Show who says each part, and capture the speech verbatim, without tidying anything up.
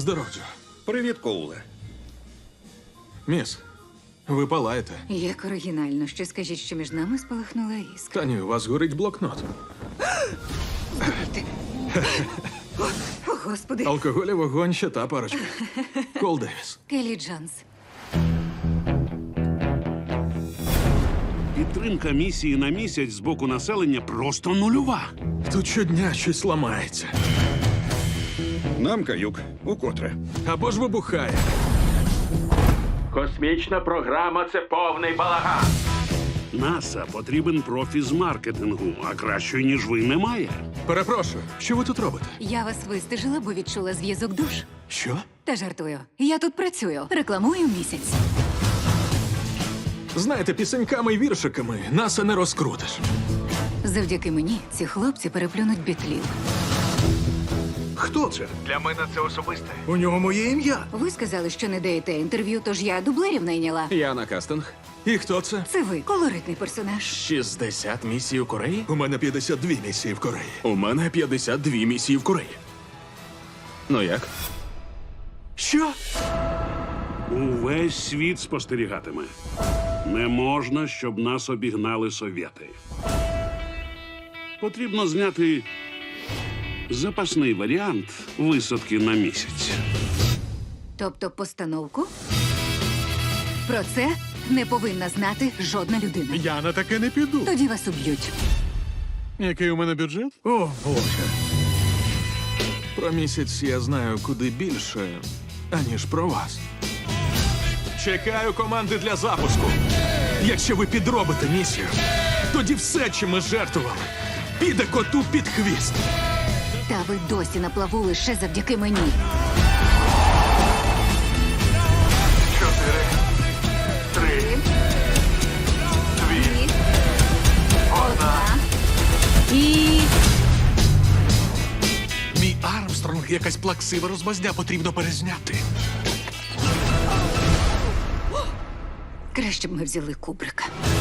Speaker 1: Здоров'я.
Speaker 2: Привіт, Коуле.
Speaker 1: Міс, ви палаєте.
Speaker 3: Як оригінально. Ще скажіть, що між нами спалахнула іскра.
Speaker 1: Та ні, у вас горить блокнот.
Speaker 3: О, Господи.
Speaker 1: Алкоголь і вогонь ще та парочка. Кол Девіс.
Speaker 3: Келлі Джонс.
Speaker 4: Підтримка місії на місяць з боку населення просто нульова.
Speaker 1: Тут щодня щось ламається.
Speaker 2: Нам каюк. Укотре.
Speaker 1: Або ж вибухає. Космічна програма – це повний балаган.
Speaker 4: НАСА потрібен профі з маркетингу, а кращої, ніж ви, немає.
Speaker 1: Перепрошую, що ви тут робите?
Speaker 3: Я вас вистежила, бо відчула зв'язок душ.
Speaker 1: Що?
Speaker 3: Та жартую. Я тут працюю. Рекламую місяць.
Speaker 1: Знаєте, пісеньками і віршиками наса не розкрутиш.
Speaker 3: Завдяки мені ці хлопці переплюнуть бітлів.
Speaker 5: Хто це?
Speaker 6: Для мене це особисте.
Speaker 5: У нього моє ім'я.
Speaker 3: Ви сказали, що не даєте інтерв'ю, тож я дублерів найняла.
Speaker 7: Я на кастинг.
Speaker 1: І хто це?
Speaker 3: Це ви, колоритний персонаж.
Speaker 7: шістдесят місій у Кореї?
Speaker 1: У мене п'ятдесят дві місії в Кореї.
Speaker 7: У мене п'ятдесят дві місії в Кореї. Ну як?
Speaker 1: Що?
Speaker 4: Увесь світ спостерігатиме. Не можна, щоб нас обігнали совєти. Потрібно зняти запасний варіант висадки на місяць.
Speaker 3: Тобто постановку? Про це не повинна знати жодна людина.
Speaker 5: Я на таке не піду.
Speaker 3: Тоді вас уб'ють.
Speaker 1: Який у мене бюджет?
Speaker 5: О, Боже.
Speaker 1: Про місяць я знаю куди більше, аніж про вас. Чекаю команди для запуску. Якщо ви підробите місію, тоді все, чим ми жертвували, піде коту під хвіст.
Speaker 3: Та ви досі на плаву лише завдяки мені.
Speaker 6: Чотири, три, дві, одна.
Speaker 3: І...
Speaker 5: Мій Армстронг якась плаксива розмазня, потрібно перезняти.
Speaker 3: Краще б ми взяли Кубрика.